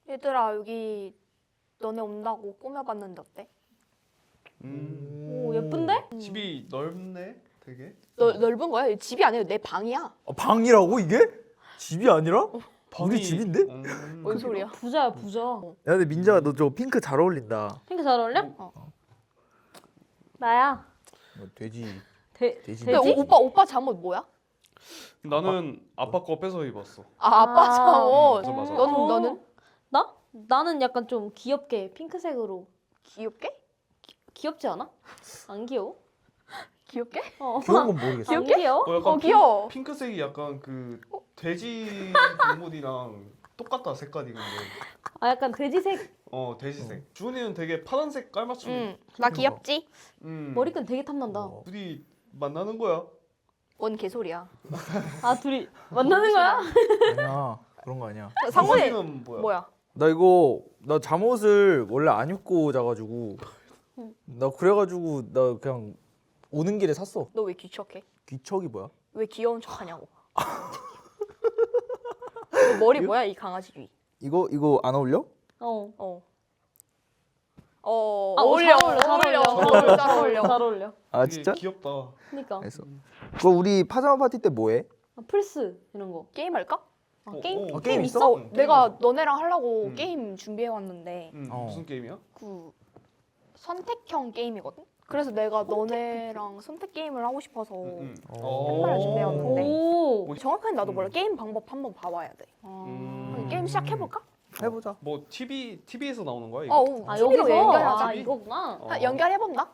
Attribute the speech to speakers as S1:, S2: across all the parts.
S1: 얘들아 여기 너네 온다고 꾸며봤는데 어때?
S2: 오 예쁜데?
S3: 집이 넓네, 되게.
S1: 넓은 거야? 집이 아니라 내 방이야.
S4: 방이라고 이게? 집이 아니라? 우리
S3: 방이-
S4: 집인데?
S1: 뭔 소리야?
S2: 부자야 부자.
S4: 야 근데 민자가 너 저 핑크 잘 어울린다.
S2: 핑크 잘 어울려? 나야.
S4: 돼지.
S2: 돼지?
S1: 근데 오빠 잠옷 뭐야?
S3: 나는 아빠 거 뺏어 입었어.
S1: 아빠 잠옷.
S3: 맞아, 맞아.
S1: 너는?
S2: 나? 나는 약간 좀 귀엽게 핑크색으로.
S1: 귀엽게?
S2: 귀엽지 않아? 안 귀여워?
S1: 귀엽게?
S4: 귀여운 건 모르겠어.
S2: 안 귀여워?
S3: 약간
S1: 귀여워.
S3: 핑크색이 약간 그 돼지 동물이랑 똑같다, 색깔이 근데.
S2: 아 약간 돼지색.
S3: 돼지색. 주은이는 되게 파란색 깔맞춤.
S1: 응. 나 귀엽지?
S2: 머리끈 되게 탐난다.
S3: 둘이 만나는 거야.
S1: 뭔 개소리야.
S2: 아 둘이 만나는 거야?
S4: 아니야 그런 거 아니야.
S1: 상훈이
S3: 상훈이는 뭐야?
S1: 뭐야?
S4: 나 잠옷을 원래 안 입고 자가지고 나 그래가지고 나 그냥 오는 길에 샀어.
S1: 너 왜 귀척해?
S4: 귀척이 뭐야?
S1: 왜 귀여운 척하냐고. 너 머리 뭐야 이 강아지 귀?
S4: 이거 안 어울려?
S2: 어.
S1: 어울려.
S2: 잘 어울려. 잘 어울려.
S4: 아
S3: 되게
S4: 진짜?
S3: 귀엽다.
S2: 그니까.
S4: 알겠어. 그거 우리 파자마 파티 때 뭐해?
S2: 아, 플스 이런 거.
S1: 게임 할까?
S2: 게임?
S4: 게임 있어?
S1: 내가 너네랑 하려고
S3: 응.
S1: 게임 준비해 왔는데
S3: 무슨 게임이야?
S1: 그 선택형 게임이거든. 그래서 내가 너네랑 선택 게임을 하고 싶어서 팬말을 준비해왔는데
S2: 오.
S1: 정확하게 나도 몰라. 게임 방법 한번 봐봐야 돼. 게임 시작해볼까?
S4: 해보자.
S3: 뭐 TV에서 나오는 거야 이거?
S2: 아
S1: TV로
S2: 여기서
S1: 연결하자.
S2: 아 이거구나.
S1: 연결해본다.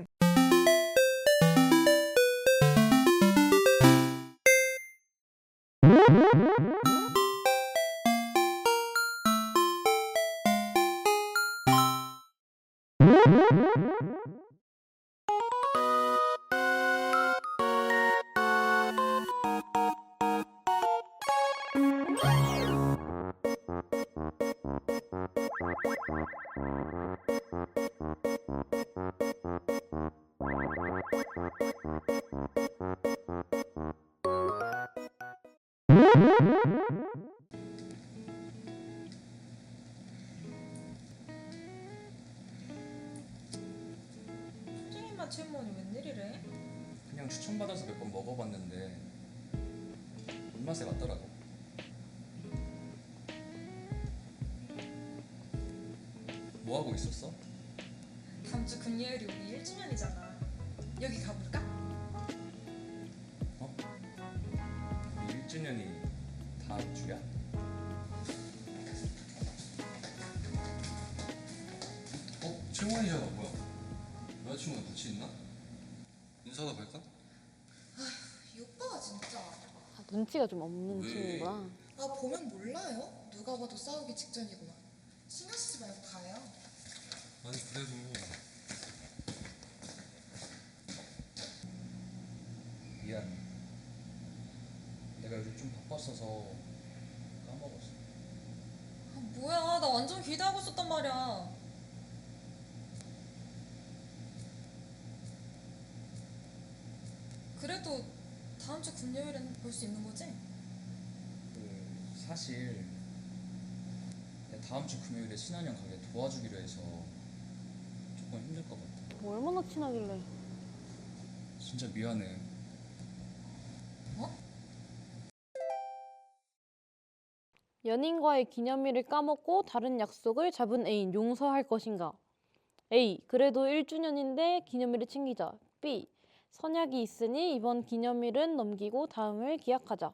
S5: 수진이만 채모니 웬일이래?
S6: 그냥 추천받아서 몇 번 먹어봤는데 입맛에 맞더라고. 뭐 하고 있었어?
S5: 다음 주 금요일이 우리 1주년이잖아. 여기 가볼까?
S6: 우리 1주년이 다음 주야? 채원이잖아. 뭐야? 여자친구랑 같이 있나? 인사도 갈까?
S5: 이 오빠가 진짜.
S2: 눈치가 좀 없는
S6: 왜?
S2: 친구구나.
S5: 아 보면 몰라요? 누가 봐도 싸우기 직전이구만. 신경 쓰지 말고 가요.
S6: 아니 그래도 미안. 내가 요즘 좀 바빴어서 까먹었어.
S5: 아 뭐야, 나 완전 기대하고 있었단 말이야. 그래도 다음 주 금요일엔 볼 수 있는 거지?
S6: 사실 내가 다음 주 금요일에 신한형 가게 도와주기로 해서 조금 힘들 것 같아.
S2: 뭐 얼마나 친하길래.
S6: 진짜 미안해.
S2: 연인과의 기념일을 까먹고 다른 약속을 잡은 애인 용서할 것인가? A. 그래도 1주년인데 기념일을 챙기자. B. 선약이 있으니 이번 기념일은 넘기고 다음을 기약하자.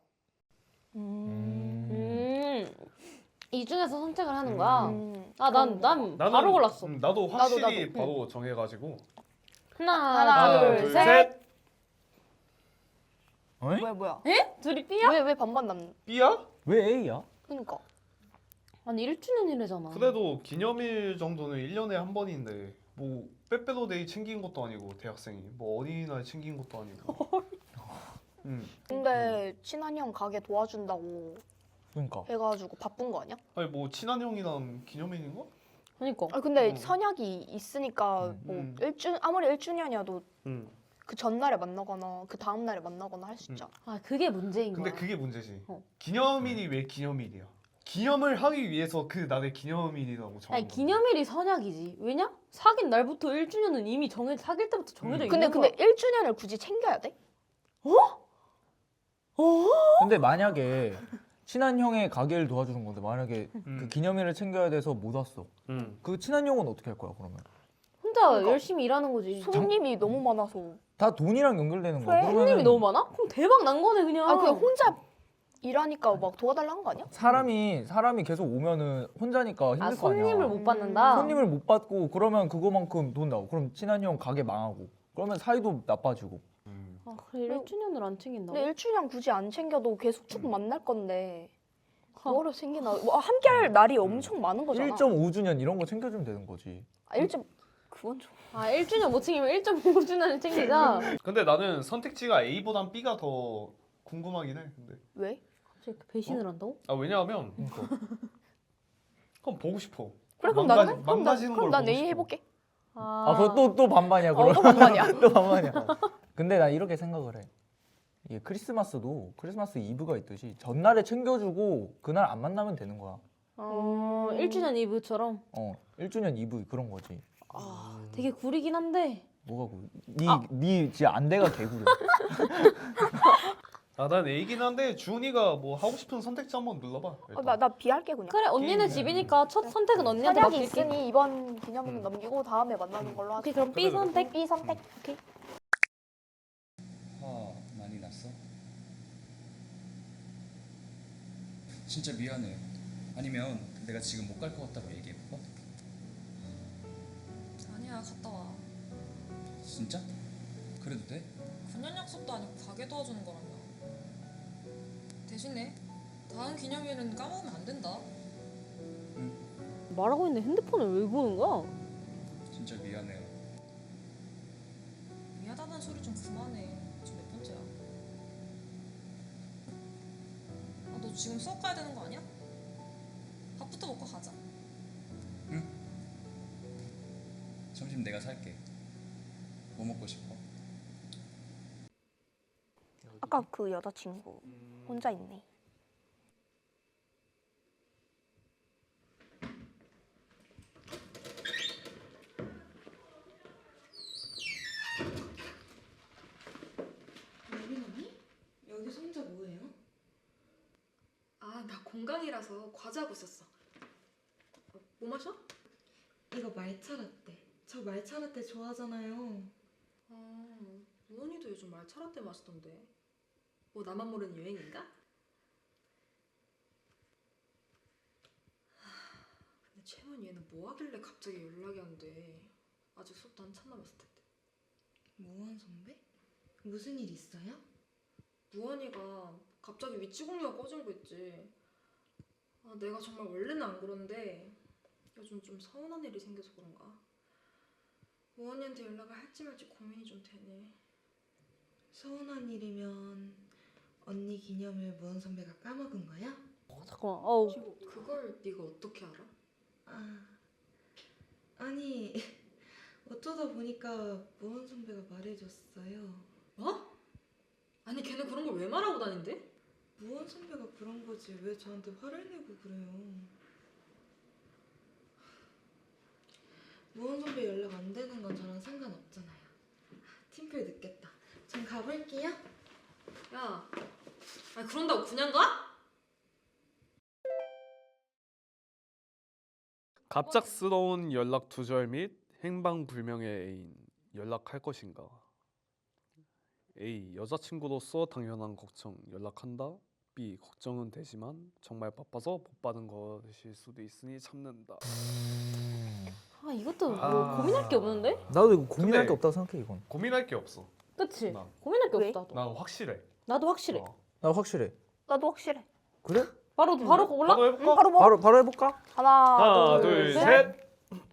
S2: 이 중에서 선택을 하는 거야. 난
S3: 나는
S2: 바로 골랐어.
S3: 나도 확실히
S1: 나도.
S3: 바로 정해가지고.
S1: 하나, 둘, 셋. 뭐야?
S2: 둘이 B야?
S1: 왜 반반 남?
S3: B야?
S4: 왜 A야?
S1: 그러니까.
S2: 아니 1주년이래잖아.
S3: 그래도 기념일 정도는 1년에 한 번인데 뭐 빼빼로데이 챙긴 것도 아니고 대학생이 뭐 어린이날 챙긴 것도 아니고.
S1: 근데 친한 형 가게 도와준다고
S4: 그러니까.
S1: 해가지고 바쁜 거 아니야?
S3: 아니 뭐 친한 형이랑 기념일인가?
S2: 그러니까.
S1: 근데 선약이 있으니까 뭐 아무리 1주년이어도
S3: 응.
S1: 그 전날에 만나거나 그 다음날에 만나거나 할 수 있잖아.
S2: 아 그게 문제인
S3: 근데
S2: 거야.
S3: 그게 문제지.
S2: 어.
S3: 기념일이 왜 기념일이야? 기념을 하기 위해서 그 날의 기념일이라고 정한
S2: 아니
S3: 건데.
S2: 기념일이 선약이지. 왜냐? 사귄 날부터 1주년은 이미 사귈 때부터 정해져
S1: 근데
S2: 있는 거야.
S1: 1주년을 굳이 챙겨야 돼?
S4: 근데 만약에 친한 형의 가게를 도와주는 건데 만약에
S3: 음.
S4: 그 기념일을 챙겨야 돼서 못 왔어. 그 친한 형은 어떻게 할 거야 그러면?
S2: 혼자
S1: 그러니까
S2: 열심히 일하는 거지.
S1: 손님이 너무 많아서.
S4: 다 돈이랑 연결되는 거야.
S1: 그래,
S2: 손님이 너무 많아? 그럼 대박 난 거네 그냥.
S1: 아 그냥 혼자 일하니까 막 도와달라는 거 아니야?
S4: 사람이 계속 오면은 혼자니까 힘들
S2: 아
S4: 거 아니야.
S2: 손님을 못 받는다.
S4: 손님을 못 받고 그러면 그거만큼 돈 나오고 그럼 친한 형 가게 망하고 그러면 사이도 나빠지고.
S2: 아 그래 1주년을 안 챙긴다고?
S1: 근데 1주년 굳이 안 챙겨도 계속 쭉 만날 건데 그거를 챙기나? 뭐 함께할 날이 엄청 많은 거잖아.
S4: 1.5주년 이런 거 챙겨주면 되는 거지.
S1: 아, 1점 그건 좀.
S2: 아 1주년 못 챙기면 1.5주년을 챙기자.
S3: 근데 나는 선택지가 A보단 B가 더 궁금하긴 해. 근데
S1: 왜?
S2: 갑자기 배신을 한다고?
S3: 아 왜냐하면 그럼 보고 싶어.
S1: 그래 그럼
S3: 망가-
S1: 나는
S3: 망가지는 걸
S1: 그럼 난
S3: 보고
S1: A
S3: 싶어.
S1: 해볼게.
S4: 아 그거 또 반반이야 그럼.
S1: 또 반반이야.
S4: 또 반반이야. 근데 나 이렇게 생각을 해. 이게 크리스마스도 크리스마스 이브가 있듯이 전날에 챙겨주고 그날 안 만나면 되는 거야.
S2: 1주년 이브처럼.
S4: 1주년 이브 그런 거지.
S2: 되게 구리긴 한데.
S4: 뭐가 그? 네 진짜 안대가 개구려.
S3: 난 A긴 한데 주은이가 뭐 하고 싶은 선택지 한번 눌러봐. 일단.
S1: 나 B 할게 그냥.
S2: 그래 언니네 집이니까 첫 선택은 언니한테
S1: 선약이
S2: 맡길게.
S1: 있으니 이번 기념일 넘기고 다음에 만나는 걸로 하자.
S2: 오케이 그럼 B 선택.
S1: B 선택. 오케이.
S6: 화 많이 났어? 진짜 미안해. 아니면 내가 지금 못 갈 것 같다고 얘기해볼까?
S7: 아니야, 갔다 와.
S6: 진짜? 그래도 돼?
S7: 군연 약속도 아니고 가게 도와주는 거라며. 대신에 다음 기념일은 까먹으면 안 된다.
S2: 말하고 있는데 핸드폰을 왜 보는 거야?
S6: 진짜 미안해.
S7: 미안하다는 소리 좀 그만해. 지금 몇 번째야? 너 지금 수업 가야 되는 거 아니야? 밥부터 먹고 가자.
S6: 점심 내가 살게. 뭐 먹고 싶어?
S1: 아까 그 여자친구 혼자 있네.
S5: 여빈 언니? 여기서 혼자 뭐해요?
S7: 아, 나 공강이라서 과제하고 있었어. 뭐 마셔?
S5: 이거 말차 라떼. 저 말차 라떼 좋아하잖아요.
S7: 우원이도 요즘 말차 라떼 마시던데. 뭐 나만 모르는 유행인가? 근데 채원 얘는 뭐 하길래 갑자기 연락이 안 돼. 아직 수업도 한참 남았을 텐데.
S5: 무한 선배? 무슨 일 있어요?
S7: 우원이가 갑자기 위치 공유가 꺼진 거 있지. 내가 정말 원래는 안 그런데 요즘 좀 서운한 일이 생겨서 그런가. 우원이한테 연락을 할지 말지 고민이 좀 되네.
S5: 서운한 일이면 언니 기념일 무한 선배가 까먹은 거야?
S2: 잠깐만. 어우.
S7: 그걸 네가 어떻게 알아?
S5: 아니 어쩌다 보니까 무한 선배가 말해줬어요.
S7: 뭐? 아니 걔는 그런 걸 왜 말하고 다닌대?
S5: 무한 선배가 그런 거지 왜 저한테 화를 내고 그래요? 무한 선배 연락 안 되는 건 저랑 상관없잖아요. 팀플 늦겠다. 전 가볼게요.
S7: 야, 아니 그런다고 그냥 가?
S3: 갑작스러운 연락 두절 및 행방불명의 애인 연락할 것인가? A. 여자친구로서 당연한 걱정 연락한다. B. 걱정은 되지만 정말 바빠서 못 받은 것일 수도 있으니 참는다.
S2: 이것도 뭐 고민할 게 없는데?
S4: 나도 이거 고민할
S3: 근데-
S4: 게 없다고 생각해 이건.
S3: 고민할 게 없어.
S2: 그치?
S3: 나.
S2: 고민할 게
S1: 왜?
S2: 없다. 나도.
S3: 난 확실해.
S2: 나도 확실해.
S3: 어.
S4: 나 확실해.
S1: 나도 확실해.
S4: 그래?
S2: 바로 골라?
S3: 바로 해볼까?
S1: 바로 뭐?
S4: 바로 해볼까?
S1: 하나,
S3: 하나, 둘,
S1: 셋.
S3: 셋.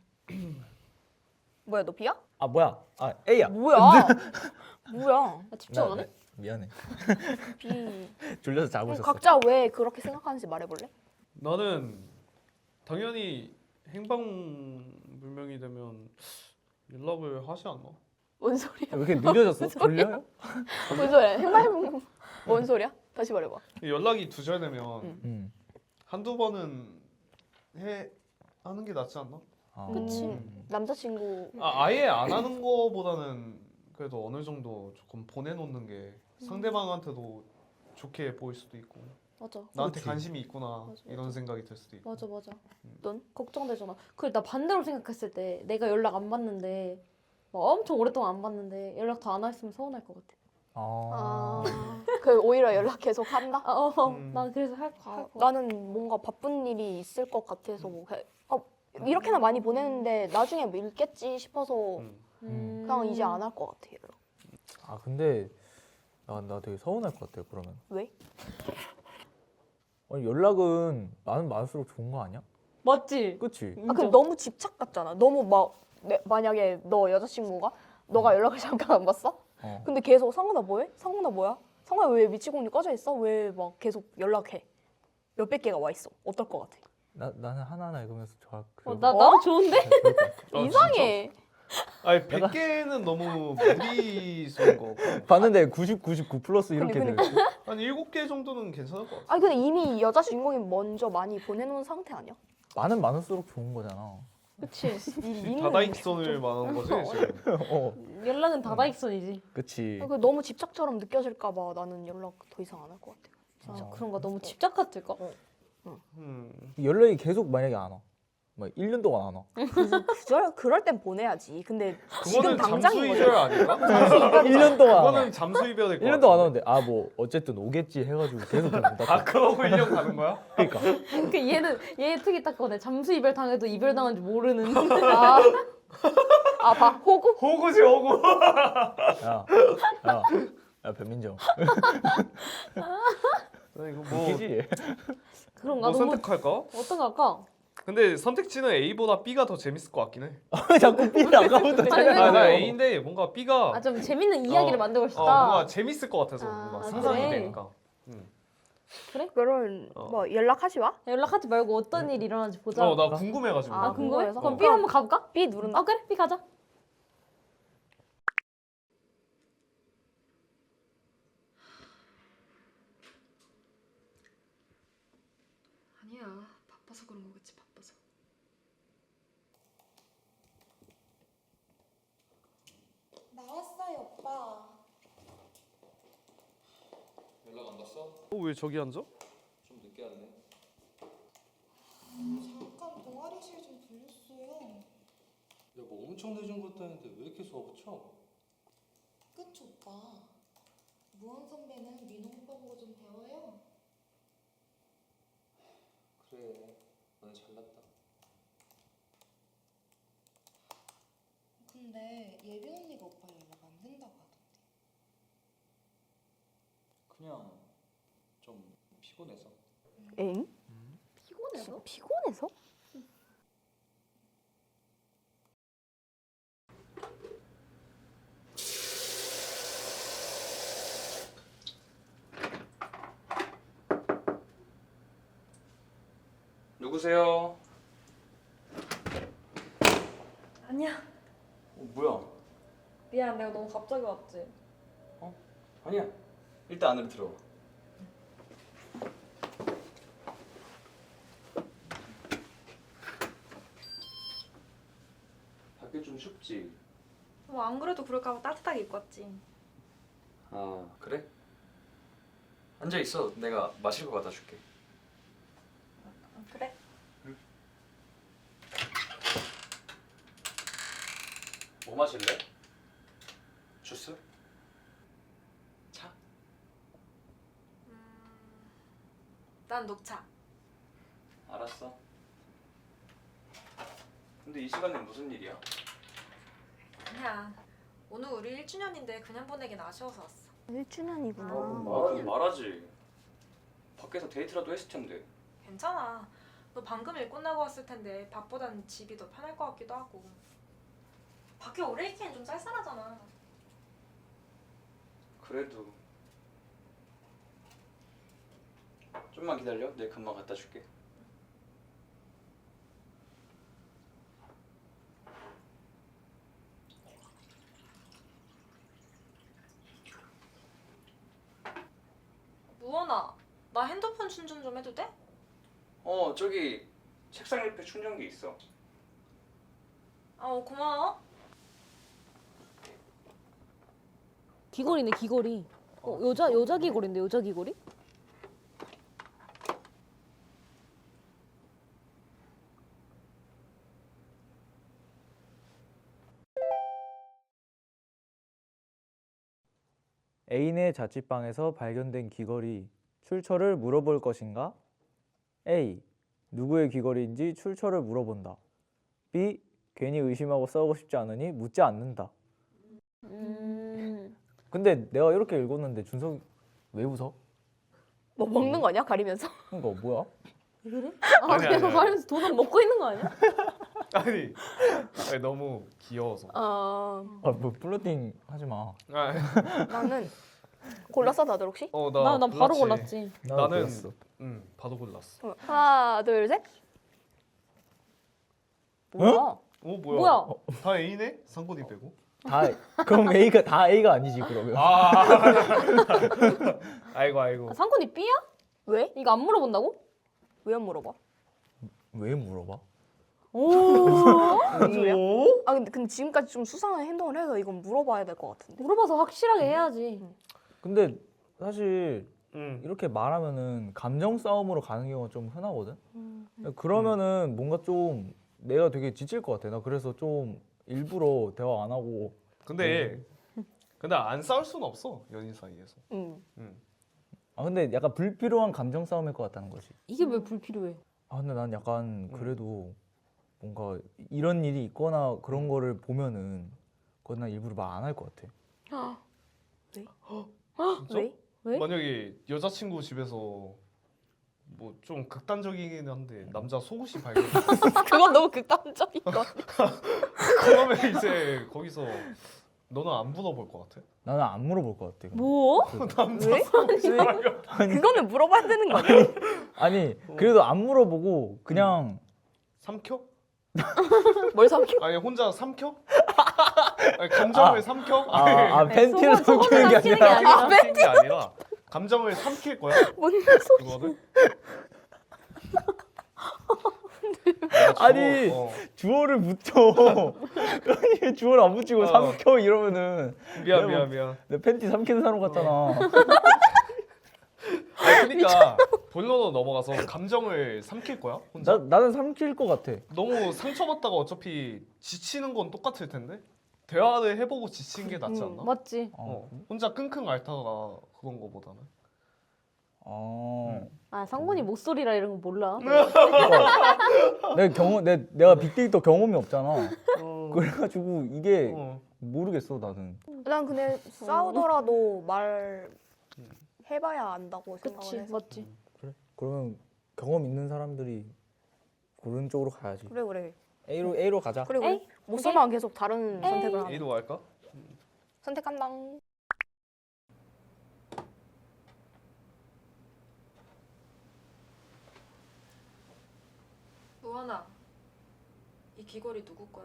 S1: 뭐야 너 B야?
S4: 아 뭐야? 아 A야.
S1: 뭐야? 뭐야?
S2: 나 집중 안 해?
S4: 미안해.
S1: B.
S4: 졸려서 자고
S1: 그럼
S4: 있었어.
S1: 각자 왜 그렇게 생각하는지 말해볼래?
S3: 나는 당연히 행방불명이 되면 연락을 하지 않나?
S1: 뭔 소리야?
S4: 왜 이렇게 느려졌어? 졸려요?
S1: 뭔 소리야? 행방불명 뭔 소리야? 다시 말해봐.
S3: 연락이 두절되면
S1: 응.
S4: 응.
S3: 한두 번은 하는 게 낫지 않나?
S1: 그치. 남자친구
S3: 아예 안 하는 거보다는 그래도 어느 정도 조금 보내놓는 게 상대방한테도 좋게 보일 수도 있고
S2: 맞아.
S3: 나한테
S4: 그렇지.
S3: 관심이 있구나
S2: 맞아,
S3: 이런
S2: 맞아.
S3: 생각이 들 수도 있고.
S2: 맞아 맞아.
S1: 넌?
S2: 걱정되잖아. 그래 나 반대로 생각했을 때 내가 연락 안 받는데 막 엄청 오랫동안 안 받는데 연락 더 안 했으면 서운할 것 같아.
S1: 아, 그 오히려 연락 계속 한다?
S2: 난 그래서 할
S1: 아,
S2: 거.
S1: 나는 뭔가 바쁜 일이 있을 것 같아서 뭐 이렇게나 많이 보내는데 나중에 뭐 읽겠지 싶어서 그냥 이제 안 할 것 같아. 연락.
S4: 아 근데 나 되게 서운할 것 같아 그러면.
S1: 왜?
S4: 아니 연락은 많은 많을수록 좋은 거 아니야?
S2: 맞지?
S4: 그치?
S1: 아, 근데 너무 집착 같잖아. 너무 막 만약에 너 여자친구가 너가 연락을 잠깐 안 받어? 근데 계속 상훈아 뭐해? 상훈아 뭐야? 상훈아 왜 미치공니 꺼져 있어? 왜 막 계속 연락해? 몇백 개가 와 있어. 어떨 것 같아?
S4: 나는 하나하나 읽으면서 좋아.
S2: 나도 좋은데?
S1: 이상해.
S3: 아니 100개는 너무 무리수인 거.
S4: 봤는데 90, 99 플러스 이렇게
S1: 그러니까.
S4: 돼.
S3: 한 7개 정도는 괜찮을 것 같아.
S1: 아니 근데 이미 여자 주인공이 먼저 많이 보내놓은 상태 아니야?
S4: 많을수록 좋은 거잖아.
S2: 그치.
S3: 다다익선을 말하는 거지 지금.
S2: 연락은 다다익선이지.
S4: 그치.
S1: 그 너무 집착처럼 느껴질까봐 나는 연락 더 이상 안 할 것 같아.
S2: 진짜 그런가 너무 집착 같을까?
S4: 연락이 계속 만약에 안 와. 막 1년 동안 안 와.
S1: 그럴 땐 보내야지. 근데 지금
S3: 그거는 잠수
S1: 당장인
S3: 이별
S1: 거지.
S3: 아닐까?
S4: 1년 동안 안 와.
S3: 그거는 잠수 이별일 것
S4: 1년 동안 안 오는데 뭐 어쨌든 오겠지 해가지고 계속 그냥 못
S3: 아
S4: 왔다.
S3: 그러고 1년 가는 거야?
S4: 그러니까.
S2: 그 얘 특이 딱 거네. 잠수 이별 당해도 이별 당한 줄 모르는.
S1: 봐 호구?
S3: 호구지 호구.
S4: 야 변민정.
S3: 이거
S4: 웃기지?
S2: 그런가?
S3: 뭐
S2: 너무
S3: 선택할까?
S2: 어떤 거 할까?
S3: 근데 선택지는 A보다 B가 더 재밌을 것 같긴 해.
S4: 자꾸 B를 아까부터
S2: 아니,
S4: 생각하네.
S3: 나 A인데 뭔가 B가
S2: 아 좀 재밌는 이야기를 만들고 싶다.
S3: 뭔가 재밌을 것 같아서
S1: 아,
S3: 뭔가 상상이
S2: 그래?
S3: 되니까.
S1: 그런 뭐 연락하지 마.
S2: 연락하지 말고 어떤 일이 일어나는지 보자.
S3: 나 궁금해가지고.
S2: 아 궁금해?
S1: 궁금해서?
S2: 그럼 B 한번 가볼까?
S1: B 누른다.
S2: 아 그래 B 가자.
S7: 아니야. 바빠서 그런 거겠지. 바빠서.
S5: 나왔어요, 오빠.
S6: 연락 안 받았어?
S3: 왜 저기 앉아?
S6: 좀 늦게 왔네.
S5: 잠깐 동아리실 좀 들렸어요.
S8: 야, 뭐 엄청 늦은 것도 아닌데 왜 이렇게 수업을 쳐?
S5: 그치, 오빠. 무한 선배는 민호 오빠 보고 좀 배워요.
S8: 그래, 너는 잘났다.
S5: 근데 예빈 언니가 오빠 연락 안 된다고 하던데.
S8: 그냥 좀 피곤해서.
S1: 엥?
S2: 피곤해서?
S1: 피곤해서?
S6: 누구세요?
S2: 아니야.
S6: 뭐야?
S2: 미안 내가 너무 갑자기 왔지.
S6: 아니야. 일단 안으로 들어와. 밖에 좀 춥지?
S9: 뭐 안 그래도 그럴까봐 따뜻하게 입고 왔지.
S6: 아 그래? 앉아 있어. 내가 마실 거 갖다 줄게.
S9: 그래?
S6: 뭐 마실래? 주스? 차?
S9: 난 녹차.
S6: 알았어. 근데 이 시간에 무슨 일이야?
S9: 아니야. 오늘 우리 1주년인데 그냥 보내긴 아쉬워서 왔어.
S1: 1주년이구나.
S6: 말하지. 밖에서 데이트라도 했을 텐데.
S9: 괜찮아. 너 방금 일 끝나고 왔을 텐데 밥보단 집이 더 편할 것 같기도 하고. 밖에 오래 있기엔 좀 쌀쌀하잖아.
S6: 그래도 좀만 기다려. 내가 금방 갖다 줄게.
S9: 무원아, 나 핸드폰 충전 좀 해도 돼?
S6: 저기 책상 옆에 충전기 있어.
S9: 고마워.
S2: 귀걸이네 귀걸이. 여자 귀걸인데 여자 귀걸이?
S4: 애인의 자취방에서 발견된 귀걸이 출처를 물어볼 것인가? A. 누구의 귀걸이인지 출처를 물어본다. B. 괜히 의심하고 싸우고 싶지 않으니 묻지 않는다. 근데 내가 이렇게 읽었는데 준석이 왜 웃어?
S1: 뭐 먹는 거 아니야? 가리면서?
S4: 그러니까 뭐야?
S2: 왜 그래?
S3: 아니,
S2: 그냥
S3: 아니.
S2: 가면서 돈은 먹고 있는 거 아니야?
S3: 아니 너무 귀여워서.
S4: 뭐 플러팅 하지 마.
S1: 나는 골랐어 다들 혹시?
S3: 나
S2: 난 바로
S3: 골랐지.
S2: 골랐지.
S4: 나도
S3: 나는
S4: 그랬어.
S3: 바로 골랐어.
S1: 하나 둘 셋. 뭐야?
S2: 뭐야?
S3: 다 A네? 상곤이 빼고.
S4: 다 그럼 A가 다 A가 아니지 그러면.
S3: 아이고.
S2: 상권이 B야?
S1: 왜?
S2: 이거 안 물어본다고?
S1: 왜 안 물어봐?
S4: 왜 물어봐?
S1: 뭔 소리야? 근데 지금까지 좀 수상한 행동을 해서 이건 물어봐야 될 것 같은데.
S2: 물어봐서 확실하게 해야지.
S4: 근데 사실
S3: 응.
S4: 이렇게 말하면은 감정 싸움으로 가는 경우가 좀 흔하거든. 그러면은 뭔가 좀 내가 되게 지칠 것 같아. 나 그래서 좀 일부러 대화 안 하고.
S3: 근데 안 싸울 수는 없어 연인 사이에서.
S4: 근데 약간 불필요한 감정 싸움일 것 같다는 거지.
S2: 이게 왜 불필요해?
S4: 근데 난 약간 그래도 뭔가 이런 일이 있거나 그런 거를 보면은 그건 난 일부러 말 안 할 것 같아.
S3: 진짜?
S1: 왜?
S2: 왜?
S3: 만약에 여자친구 집에서 뭐 좀 극단적이긴 한데 남자 속옷이 발견됐어.
S1: 그건 너무 극단적인 거.
S3: 그러면 이제 거기서 너는 안 물어볼 것 같아?
S4: 나는 안 물어볼 것 같아.
S2: 뭐?
S3: 남자
S1: 왜?
S3: 속옷이
S1: 왜?
S3: 발견.
S1: 그거는 물어봐야 되는 거 아니야?
S4: 아니 그래도 안 물어보고 그냥
S3: 삼켜?
S1: 뭘 삼켜?
S3: 아니 혼자 삼켜? 아니, 감정을 삼켜?
S4: 팬티를
S2: 속옷
S4: 삼키는 게
S2: 삼키는 게
S4: 아니라
S2: 아니라.
S3: 삼키는 게 아니라 감정을 삼킬 거야?
S1: 뭔 소리?
S3: 그거를?
S4: 아니 주어를 붙여. 아니 주어를 안 붙이고 삼켜 이러면은
S3: 미안.
S4: 내 팬티 삼키는 사람 같잖아.
S3: 그러니까 본론으로 넘어가서 감정을 삼킬 거야? 혼자?
S4: 나는 삼킬 것 같아.
S3: 너무 상처받다가 어차피 지치는 건 똑같을 텐데 대화를 해보고 지친 게 낫지 않나?
S2: 맞지.
S3: 혼자 끙끙 앓다가 그런 거보다는.
S2: 상권이 목소리라 이런 거 몰라.
S4: 내가 빅데이터 경험이 없잖아. 그래가지고 이게 모르겠어 나는.
S1: 난 근데 싸우더라도 말 해봐야 안다고 생각을
S2: 그치,
S1: 해서.
S2: 맞지.
S4: 그래? 그러면 경험 있는 사람들이 고른 쪽으로 가야지.
S1: 그래.
S4: A로 가자.
S1: 그래. 못 써만 계속 다른 선택을 하자.
S3: A로 갈까?
S1: 선택한다.
S9: 노하나, 이 귀걸이 누구 거야?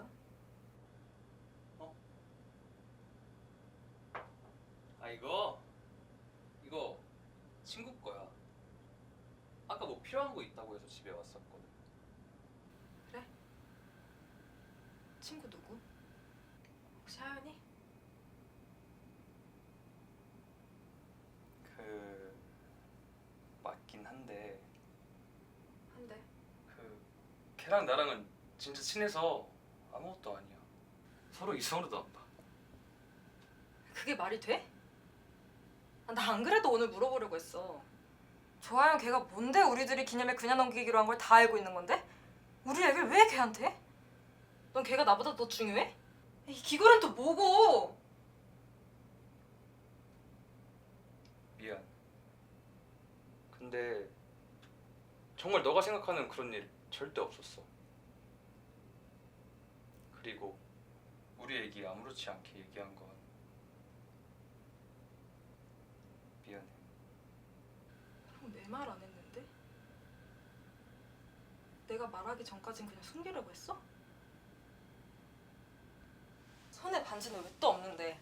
S6: 이거 친구 거야. 아까 뭐 필요한 거 있다고 해서 집에 왔었거든.
S9: 그래? 친구 누구? 혹시 하연이?
S6: 맞긴 한데
S9: 한대.
S6: 걔랑 나랑은 진짜 친해서 아무것도 아니야. 서로 이성으로도 안 봐.
S9: 그게 말이 돼? 나 안 그래도 오늘 물어보려고 했어. 조하연 걔가 뭔데 우리들이 기념일 그냥 넘기기로 한 걸 다 알고 있는 건데? 우리 얘기를 왜 걔한테 해? 넌 걔가 나보다 더 중요해? 이 귀걸이는 또 뭐고?
S6: 미안. 근데 정말 너가 생각하는 그런 일 절대 없었어. 그리고 우리 얘기 아무렇지 않게 얘기한 건 미안해.
S9: 내 말 안 했는데? 내가 말하기 전까진 그냥 숨기려고 했어? 손에 반지는 왜 또 없는데?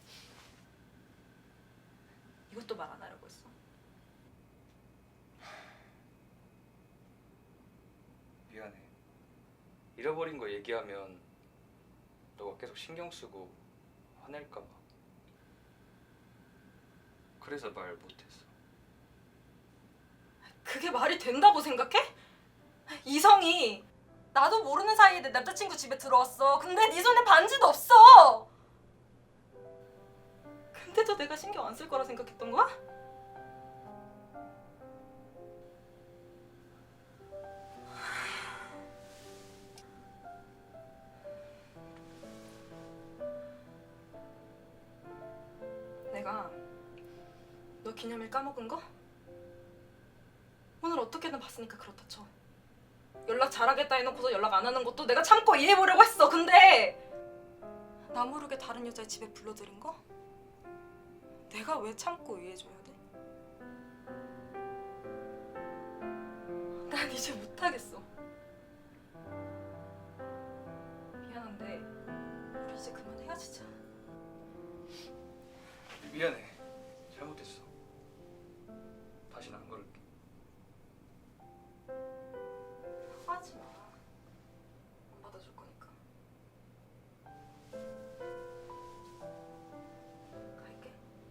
S9: 이것도 말 안 하려고 했어?
S6: 잃어버린 거 얘기하면 너가 계속 신경 쓰고 화낼까 봐. 그래서 말 못했어.
S9: 그게 말이 된다고 생각해? 이성이 나도 모르는 사이에 내 남자친구 집에 들어왔어. 근데 네 손에 반지도 없어. 근데도 내가 신경 안 쓸 거라 생각했던 거야? 내가 너 기념일 까먹은 거? 오늘 어떻게든 봤으니까 그렇다 쳐. 연락 잘하겠다 해놓고서 연락 안 하는 것도 내가 참고 이해해보려고 했어. 근데 나 모르게 다른 여자의 집에 불러들인 거? 내가 왜 참고 이해해줘야 돼? 난 이제 못하겠어. 미안한데 우리 이제 그만 헤어지자.
S6: 미안해. 잘못했어. 다시는 안 그럴게.
S9: 하지 마. 안 받아줄 거니까. 갈게.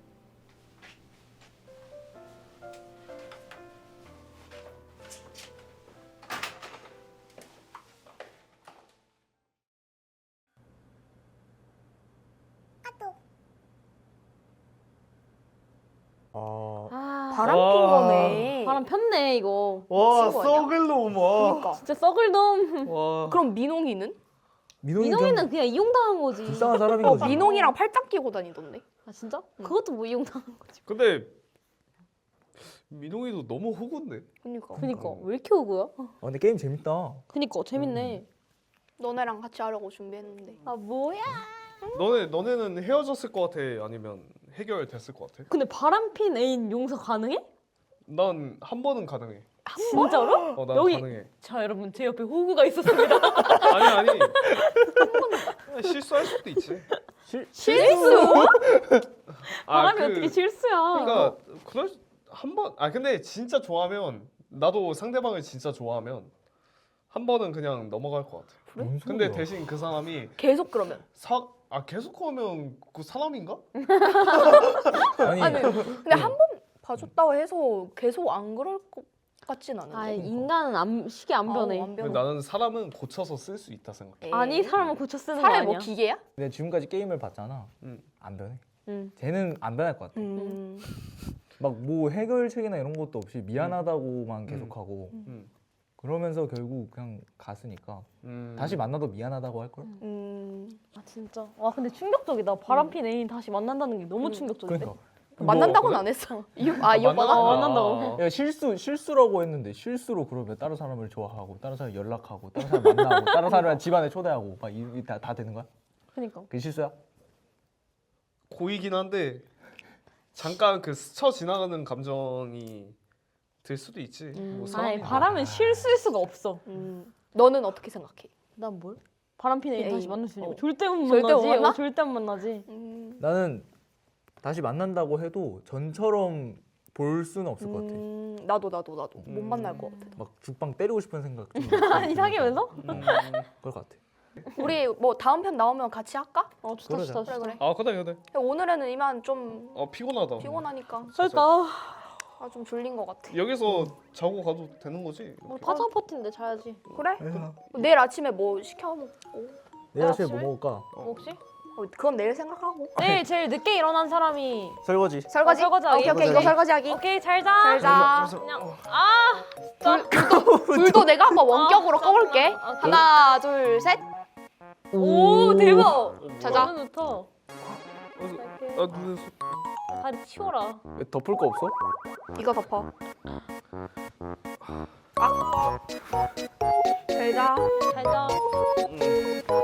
S4: 아,
S1: 바람 핀
S3: 와.
S1: 거네.
S2: 바람 폈네 이거.
S3: 와
S1: 미친 거 아니야?
S3: 썩을 놈 와.
S1: 그러니까.
S2: 진짜 썩을 놈.
S3: 와.
S1: 그럼 민홍이는?
S2: 민홍이는 그냥 이용당한 거지.
S4: 불쌍한 사람인
S1: 어,
S4: 거지.
S1: 민홍이랑 팔짱 끼고 다니던데.
S2: 아 진짜?
S1: 응.
S2: 그것도 뭐 이용당한 거지.
S3: 근데 민홍이도 너무 호구인데.
S1: 그러니까.
S2: 그니까 왜 이렇게 오고요?
S4: 근데 게임 재밌다.
S2: 그니까 재밌네.
S1: 너네랑 같이 하려고 준비했는데.
S2: 아 뭐야?
S3: 너네는 헤어졌을 것 같아? 아니면 해결됐을 것 같아?
S2: 근데 바람핀 애인 용서 가능해?
S3: 난 한 번은 가능해.
S2: 진짜로?
S3: 난
S2: 여기-
S3: 가능해.
S2: 자 여러분 제 옆에 호구가 있었습니다.
S3: 아니 실수할 수도 있지.
S2: 실수?
S3: 아,
S2: 바람이 어떻게 실수야?
S3: 그러니까 그럴 한 번. 아 근데 진짜 좋아하면 나도 상대방을 진짜 좋아하면 한 번은 그냥 넘어갈 것 같아.
S1: 그래?
S4: 뭔
S3: 근데
S4: 소리야.
S3: 대신 그 사람이
S1: 계속 그러면.
S3: 계속 하면 그 사람인가?
S4: 아니,
S1: 아니 근데 한 번 봐줬다고 해서 계속 안 그럴 것 같진 않은데.
S2: 아 인간은 시계 안 변해.
S1: 안
S3: 근데
S1: 변해.
S3: 나는 사람은 고쳐서 쓸 수 있다 생각해.
S1: 에이.
S2: 아니 사람은 고쳐 쓰는 거
S1: 사람이
S2: 아니야.
S1: 뭐 기계야?
S4: 근데 지금까지 게임을 봤잖아.
S3: 응.
S4: 안 변해.
S2: 응.
S4: 쟤는 안 변할 것 같아. 막 뭐 해결책이나 이런 것도 없이 미안하다고만 계속하고
S3: 음.
S4: 그러면서 결국 그냥 갔으니까
S3: 음.
S4: 다시 만나도 미안하다고 할 걸.
S2: 아 진짜. 와 근데 충격적이다. 바람핀 애인 다시 만난다는 게 너무 충격적인데.
S4: 그러니까
S1: 만난다고는 안 했어. 이 오빠가?
S2: 만난다고.
S4: 야, 실수라고 했는데 실수로 그러면 다른 사람을 좋아하고 다른 사람 연락하고 다른 사람 만나고 다른 사람 집안에 초대하고 막 다 되는 거야?
S2: 그니까.
S4: 그게 실수야?
S3: 고이긴 한데 잠깐 그 스쳐 지나가는 감정이 들 수도 있지. 뭐
S2: 아니
S3: 사람이
S2: 바람은 실수일 수가 없어.
S1: 너는 어떻게 생각해?
S2: 난 뭘? 바람핀 애인
S1: 애인.
S2: 다시 만날 수 있냐고.
S1: 어.
S2: 절대 못
S1: 절대 못
S2: 만나지.
S1: 만나?
S2: 절대 못 만나지.
S4: 나는 다시 만난다고 해도 전처럼 볼 수는 없을 것 같아.
S1: 나도 못 만날 것 같아.
S4: 막 죽방 때리고 싶은 생각 좀
S2: 아니 사귀면서?
S4: 그럴 것 같아.
S1: 우리 뭐 다음 편 나오면 같이 할까?
S2: 어 좋다
S4: 그러자.
S2: 좋다 좋다.
S1: 그래.
S3: 아 그래.
S1: 오늘은 이만 좀
S3: 피곤하다.
S1: 피곤하니까
S2: 그러니까.
S1: 좀 졸린 것 같아.
S3: 여기서 자고 가도 되는 거지?
S2: 우리 파장 파티인데 자야지.
S1: 그래? 내일 아침에 뭐 시켜 먹고.
S4: 내일 아침에 뭐
S1: 아침에?
S4: 먹을까?
S2: 혹시?
S1: 그건 내일 생각하고.
S2: 내일 제일 늦게 일어난 사람이
S4: 설거지.
S1: 설거지.
S2: 설거지하기.
S1: 오케이 이거 설거지하기.
S2: 오케이 잘 자.
S1: 잘 자.
S2: 그냥
S1: 불도 내가 한번 원격으로 꺼볼게.
S2: 아,
S1: 하나 둘 셋.
S2: 오 대박.
S1: 자자.
S2: 너무 좋다.
S3: 눈에
S2: 다리 치워라.
S4: 왜 덮을 거 없어?
S1: 이거 덮어. 잘 자.
S2: 잘 자.